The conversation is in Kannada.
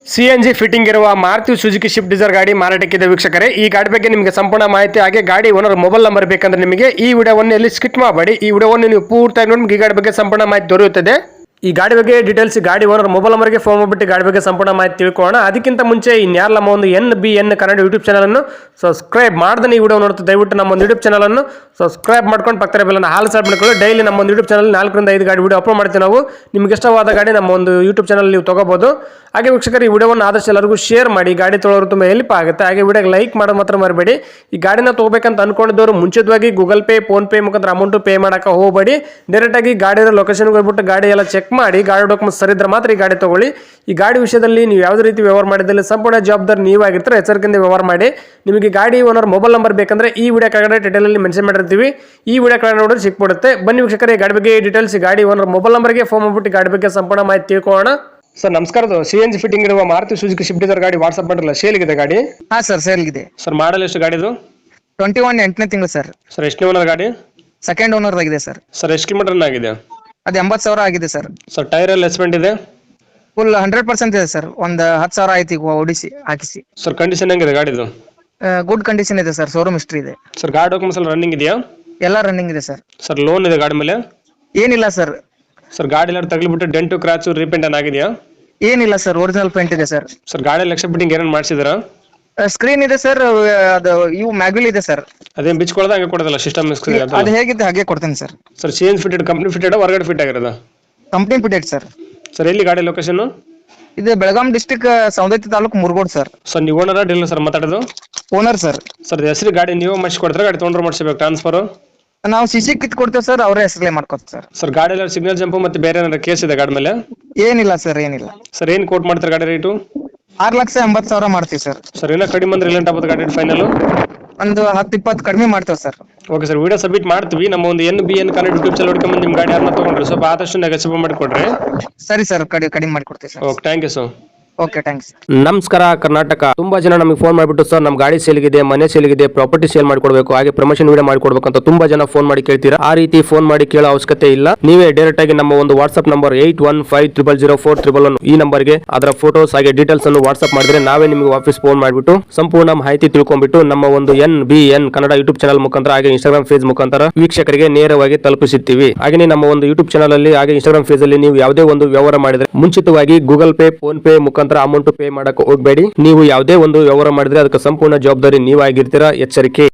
ಸಿಎನ್ಜಿ ಫಿಟ್ಟಿಂಗ್ ಇರುವ ಮಾರುತಿ ಸುಜುಕಿ ಶಿಫ್ಟ್ ಡಿಸೈರ್ ಗಾಡಿ ಮಾರಾಟಕ್ಕಿದೆ ವೀಕ್ಷಕರೇ. ಈ ಗಾಡಿ ಬಗ್ಗೆ ನಿಮಗೆ ಸಂಪೂರ್ಣ ಮಾಹಿತಿ ಹಾಗೆ ಗಾಡಿ ಓನರ್ ಮೊಬೈಲ್ ನಂಬರ್ ಬೇಕಂದ್ರೆ ನಿಮಗೆ ಈ ವಿಡಿಯೋವನ್ನು ಎಲ್ಲಿ ಸ್ಕಿಪ್ ಮಾಡಬೇಡಿ. ಈ ವಿಡಿಯೋವನ್ನು ನೀವು ಪೂರ್ತಿಯಾಗಿ ನೋಡಿ ಈ ಗಾಡಿ ಬಗ್ಗೆ ಸಂಪೂರ್ಣ ಮಾಹಿತಿ ದೊರೆಯುತ್ತದೆ. ಈ ಗಾಡಿ ಬಗ್ಗೆ ಡೀಟೇಲ್ಸ್ ಗಾಡಿ ಓನರ್ ಮೊಬೈಲ್ ನಂಬರ್ಗೆ ಫೋನ್ ಮಾಡಿಬಿಟ್ಟು ಗಾಡಿ ಬಗ್ಗೆ ಸಂಪೂರ್ಣ ಮಾಹಿತಿ ತಿಳ್ಕೊಳ್ಳೋಣ. ಅದಕ್ಕಿಂತ ಮುಂಚೆ ಇನ್ಯಾರು ನಮ್ಮ ಒಂದು NBN ಕನ್ನಡ ಯೂಟ್ಯೂಬ್ ಚಾನಲನ್ನು ಸಬ್ಸ್ಕ್ರೈಬ್ ಮಾಡ್ದೆ ಈ ವಿಡಿಯೋ ನೋಡ್ತಾ ದಯವಿಟ್ಟು ನಮ್ಮ ಒಂದು ಯೂಟ್ಯೂಬ್ ಚಾನಲನ್ನು ಸಬ್ಸ್ಕ್ರೈಬ್ ಮಾಡ್ಕೊಂಡು ಪಕ್ಕದ ಬೆಲ್ಲನ್ನು ಹಾಲ್ ಸಬ್ ಮಾಡ್ಕೊಳ್ಳಿ. ಡೈಲಿ ನಮ್ಮ ಒಂದು ಯೂಟ್ಯೂಬ್ ಚಾನಲ್ 4 ರಿಂದ 5 ಗಾಡಿ ವಿಡಿಯೋ ಅಪ್ಲೋಡ್ ಮಾಡ್ತೀವಿ ನಾವು. ನಿಮ್ಗೆ ಇಷ್ಟವಾದ ಗಾಡಿ ನಮ್ಮ ಒಂದು ಯೂಟ್ಯೂಬ್ ಚಾನಲ್ ನೀವು ತಗೋಬಹುದು. ಹಾಗೆ ವೀಕ್ಷಕರು ಈ ವಿಡಿಯೋವನ್ನು ಆದಷ್ಟು ಎಲ್ಲರಿಗೂ ಶೇರ್ ಮಾಡಿ. ಗಾಡಿ ತೊಗೊಳೋರು ತುಂಬ ಹೆಲ್ಪ್ ಆಗುತ್ತೆ. ಹಾಗೆ ವಿಡಿಯೋಗೆ ಲೈಕ್ ಮಾಡೋದು ಮಾತ್ರ ಮರಿಬೇಡಿ. ಈ ಗಾಡಿನ ತೊಗೋಬೇಕಂತ ಅನ್ಕೊಂಡಿದ್ದವರು ಮುಂಚಿತವಾಗಿ ಗೂಗಲ್ ಪೇ ಫೋನ್ ಪೇ ಮುಖಾಂತರ ಅಮೌಂಟ್ ಪೇ ಮಾಡೋಕೆ ಹೋಗಬೇಡಿ. ಡೈರೆಕ್ಟಾಗಿ ಗಾಡಿಯ ಲೊಕೇಶನ್ಗೆ ಹೋಗ್ಬಿಟ್ಟು ಗಾಡಿ ಎಲ್ಲ ಚೆಕ್ ಮಾಡಿ ಗಾಡಿ ಡಾಕ್ಯುಮೆಂಟ್ಸ್ ಸರಿ ಇದ್ರೆ ಮಾತ್ರ ಈ ಗಾಡಿ ತಗೊಳ್ಳಿ. ಈ ಗಾಡಿ ವಿಷಯದಲ್ಲಿ ನೀವು ಯಾವುದೇ ರೀತಿ ವ್ಯವಹಾರ ಮಾಡಿದಲ್ಲಿ ಸಂಪೂರ್ಣ ಜವಾಬ್ದಾರಿ ನೀವಾಗಿರ್ತಾರೆ. ಎಚ್ಚರಿಕೆಯಿಂದ ವ್ಯವಹಾರ ಮಾಡಿ. ನಿಮಗೆ ಗಾಡಿ ಓನರ್ ಮೊಬೈಲ್ ನಂಬರ್ ಬೇಕಂದ್ರೆ ಈ ವಿಡಿಯೋ ಕೆಳಗಡೆ ಟೈಟಲ್ ಅಲ್ಲಿ ಮೆನ್ಷನ್ ಮಾಡಿರ್ತೀವಿ. ಈ ವಿಡಿಯೋ ಕೆಳಗಡೆ ನೋಡಿದ್ರೆ ಸಿಕ್ಬಿಡುತ್ತೆ. ಬನ್ನಿ ವೀಕ್ಷಕರೇ, ಗಾಡಿ ಬಗ್ಗೆ ಡೀಟೇಲ್ಸ್ ಗಾಡಿ ಓನರ್ ಮೊಬೈಲ್ ನಂಬರ್ಗೆ ಫೋನ್ ಮಾಡ್ಬಿಟ್ಟು ಗಾಡಿ ಬಗ್ಗೆ ಸಂಪೂರ್ಣ ಮಾಹಿತಿ ತಿಳ್ಕೊಳ್ಳೋಣ. ಸರ್ ನಮಸ್ಕಾರ. CNG ಫಿಟ್ಟಿಂಗ್ ಇರುವ ಮಾರುತಿ ಸುಜುಕಿ ಶಿಫ್ಟ್ ಡಿಸೈರ್ ಗಾಡಿ ವಾಟ್ಸ್ಆಪ್ ಮಾಡಿರಲ್ಲ, ಸೇಲ್ ಇದೆ ಗಾಡಿ? ಹಾ ಸರ್, ಸೇಲ್ ಇದೆ. ಸರ್ ಮಾಡಲ್ ಎಷ್ಟು ಗಾಡಿದು? 21 8ನೇ ತಿಂಗಳು ಸರ್. ಸರ್ ಎಷ್ಟು ಓನರ್ ಗಾಡಿ? ಸೆಕೆಂಡ್ ಓನರ್ ಆಗಿದೆ ಸರ್. ಸರ್ ಎಷ್ಟು ಕಿಲೋಮೀಟರ್ ರನ್ ಆಗಿದೆ? ಅದು 80,000 ಆಗಿದೆ ಸರ್. ಸರ್ ಟೈರ್ ಎಲ್ಲ ಎಸ್ಪೆಂಟ್ ಇದೆ? ಫುಲ್ 100% ಇದೆ ಸರ್. ಒಂದು 10,000 ಆಯ್ತು ಈಗ ಓಡಿಸಿ ಹಾಕಿಸಿ. ಸರ್ ಕಂಡೀಷನ್ ಹೆಂಗಿದೆ ಗಾಡಿದು? ಗುಡ್ ಕಂಡೀಷನ್ ಇದೆ ಸರ್. ಶೋರೂಮ್ ಹಿಸ್ಟ್ರಿ ಇದೆ. ಸರ್ ಗಾಡಿ ಡಾಕ್ಯುಮೆಂಟ್ಸ್ ಎಲ್ಲ ರನ್ನಿಂಗ್ ಇದೆಯಾ? ಎಲ್ಲ ರನ್ನಿಂಗ್ ಇದೆ ಸರ್. ಸರ್ ಲೋನ್ ಇದೆ ಗಾಡಿ ಮೇಲೆ? ಏನಿಲ್ಲ ಸರ್. ಸರ್ ಗಾಡಿ ಎಲ್ಲ ತಗಲಿಬಿಟ್ಟು ಡೆಂಟು ಕ್ರಾಚು ರೀಪೇಂಟ್ ಆಗಿದೆಯಾ? ಏನಿಲ್ಲ ಸರ್, ಒರಿಜಿನಲ್ ಪೇಂಟ್ ಇದೆ ಸರ್. ಸರ್ ಗಾಡಿ ಲಕ್ಷ ಫಿಟ್ಟಿಂಗ್ ಏನೇನು ಮಾಡಿಸಿದ್ರಾ? ಸ್ಕ್ರೀನ್ ಇದೆ ಸರ್. ಅದು ಇವು ಮ್ಯಾಗ್ವಿಲ್ ಇದೆ ಸರ್. ಅದೇನು ಬಿಚ್ಕೊಳ್ಳೋದು ಹಂಗೆ ಕೊಡೋದಲ್ಲ ಸಿಸ್ಟಮ್ ಸ್ಕ್ರೀನ್? ಅದು ಹೇಗಿದೆ ಹಾಗೆ ಕೊಡ್ತೇನೆ sir. Sir CNG fitted company fitted ಹೊರಗಡೆ ಫಿಟ್ ಆಗಿರೋದು? Company fitted sir. ಸರ್ ಎಲ್ಲಿ ಗಾಡಿ ಲೊಕೇಶನ್? ಇದು Belgaum district Saundatti taluk Murgod sir. Sir ನೀವು ಓನರ್ ಡೀಲರ್ ಸರ್ ಮಾತಾಡೋದು? Owner sir. ಸರ್ ಹೆಸರು ಗಾಡಿ ನೀವು ಮಾಡಿಸ್ಕೊಡ್ತಾರೆ, ಗಾಡಿ ತೊಗೊಂಡ್ರೆ ಮಾಡಿಸ್ಬೇಕು ಟ್ರಾನ್ಸ್ಫರ್? ನಾವು CC ಕಿತ್ ಕೊಡ್ತೇವೆ ಸರ್, ಅವರೇ ಹೆಸರಲ್ಲೇ ಮಾಡ್ಕೊತಾರೆ ಸರ್. ಸರ್ ಗಾಡಿ ಎಲ್ಲ ಸಿಗ್ನಲ್ ಜಂಪ್ ಮತ್ತೆ ಬೇರೆ ಏನಾದ್ರು ಕೇಸ್ ಇದೆ ಗಾಡಿ ಮೇಲೆ? ಏನಿಲ್ಲ ಸರ್, ಏನಿಲ್ಲ. ಸರ್ ಏನು ಕೋಟ್ ಮಾಡ್ತಾರೆ ಗಾಡಿ ರೇಟು? 6,80,000 ಮಾಡ್ತೀವಿ ಸರ್. ಸರ್ ಏನೋ ಕಡಿಮೆ ಅಂದ್ರೆ ರಿಲೆಂಟ್ ಆಗ್ಬೋದು ಗಾಡಿ ಫೈನಲ್? ಒಂದು 10-20 ಕಡಿಮೆ ಮಾಡ್ತೇವೆ sir. Okay sir, video submit ಮಾಡ್ತೀವಿ. ನಮ್ಮ ಒಂದು NBN ಕನ್ನಡ ಯೂಟ್ಯೂಬ್ ಚಾನಲ್ ಹುಡ್ಕೊಂಬಂದು ನಿಮ್ಮ ಗಾಡಿ ಯಾರನ್ನ ತೊಗೊಂಡ್ರೆ ಸ್ವಲ್ಪ ಆದಷ್ಟು ನೆಗೆಸಿಬಲ್ ಮಾಡಿಕೊಡ್ರಿ. ಸರಿ ಸರ್, ಕಡಿಮೆ ಮಾಡಿಕೊಡ್ತೀವಿ sir. Okay, thank you sir. Okay, thanks. ನಮಸ್ಕಾರ ಕರ್ನಾಟಕ. ತುಂಬಾ ಜನ ನಮಗೆ ಫೋನ್ ಮಾಡಿಬಿಟ್ಟು ಸರ್ ನಮ್ಮ ಗಾಡಿ ಸೇಲ್ಗಿದೆ, ಮನೆ ಸೇಲ್ಗಿದೆ, ಪ್ರಾಪರ್ಟಿ ಸೇಲ್ ಮಾಡ್ಕೊಡ್ಬೇಕು, ಹಾಗೆ ಪ್ರಮೋಷನ್ ವಿಡಿಯೋ ಮಾಡ್ಕೊಡ್ಬೇಕು ಅಂತ ತುಂಬಾ ಜನ ಫೋನ್ ಮಾಡಿ ಕೇಳ್ತೀರಾ. ಆ ರೀತಿ ಫೋನ್ ಮಾಡಿ ಕೇಳೋ ಅವಶ್ಯಕತೆ ಇಲ್ಲ. ನೀವೇ ಡೈರೆಕ್ಟ್ ಆಗಿ ನಮ್ಮ ಒಂದು ವಾಟ್ಸ್ಆಪ್ ನಂಬರ್ 81500411 ಈ ನಂಬರ್ಗೆ ಅದರ ಫೋಟೋಸ್ ಹಾಗೆ ಡೀಟೇಲ್ಸ್ ಅನ್ನು ವಾಟ್ಸ್ಆಪ್ ಮಾಡಿದ್ರೆ ನಾವೇ ನಿಮಗೆ ವಾಪಸ್ ಫೋನ್ ಮಾಡಿಬಿಟ್ಟು ಸಂಪೂರ್ಣ ಮಾಹಿತಿ ತಿಳ್ಕೊಂಡ್ಬಿಟ್ಟು ನಮ್ಮ ಒಂದು NBN ಕನ್ನಡ ಯೂಟ್ಯೂಬ್ ಚಾನಲ್ ಮುಖಾಂತರ ಹಾಗೆ ಇನ್ಸ್ಟಾಗ್ರಾಮ್ ಪೇಜ್ ಮುಖಾಂತರ ವೀಕ್ಷಕರಿಗೆ ನೇರವಾಗಿ ತಲುಪಿಸುತ್ತೀವಿ. ಹಾಗೆ ನಮ್ಮ ಒಂದು ಯೂಟ್ಯೂಬ್ ಚಾನಲ್ ಅಲ್ಲಿ ಹಾಗೆ ಇನ್ಸ್ಟಾಗ್ರಾಮ್ ಪೇಜ್ ಅಲ್ಲಿ ನೀವು ಯಾವುದೇ ಒಂದು ವ್ಯವಹಾರ ಮಾಡಿದ್ರೆ ಮುಂಚಿತವಾಗಿ ಗೂಗಲ್ ಪೇ ಫೋನ್ ಪೇ ಮುಖಾಂತರ ಅಮೌಂಟ್ ಪೇ ಮಾಡಕ್ಕೆ ಹೋಗಬೇಡಿ. ನೀವು ಯಾವುದೇ ಒಂದು ವ್ಯವಹಾರ ಮಾಡಿದ್ರೆ ಅದಕ್ಕೆ ಸಂಪೂರ್ಣ ಜವಾಬ್ದಾರಿ ನೀವಾಗಿರ್ತೀರಾ. ಎಚ್ಚರಿಕೆ.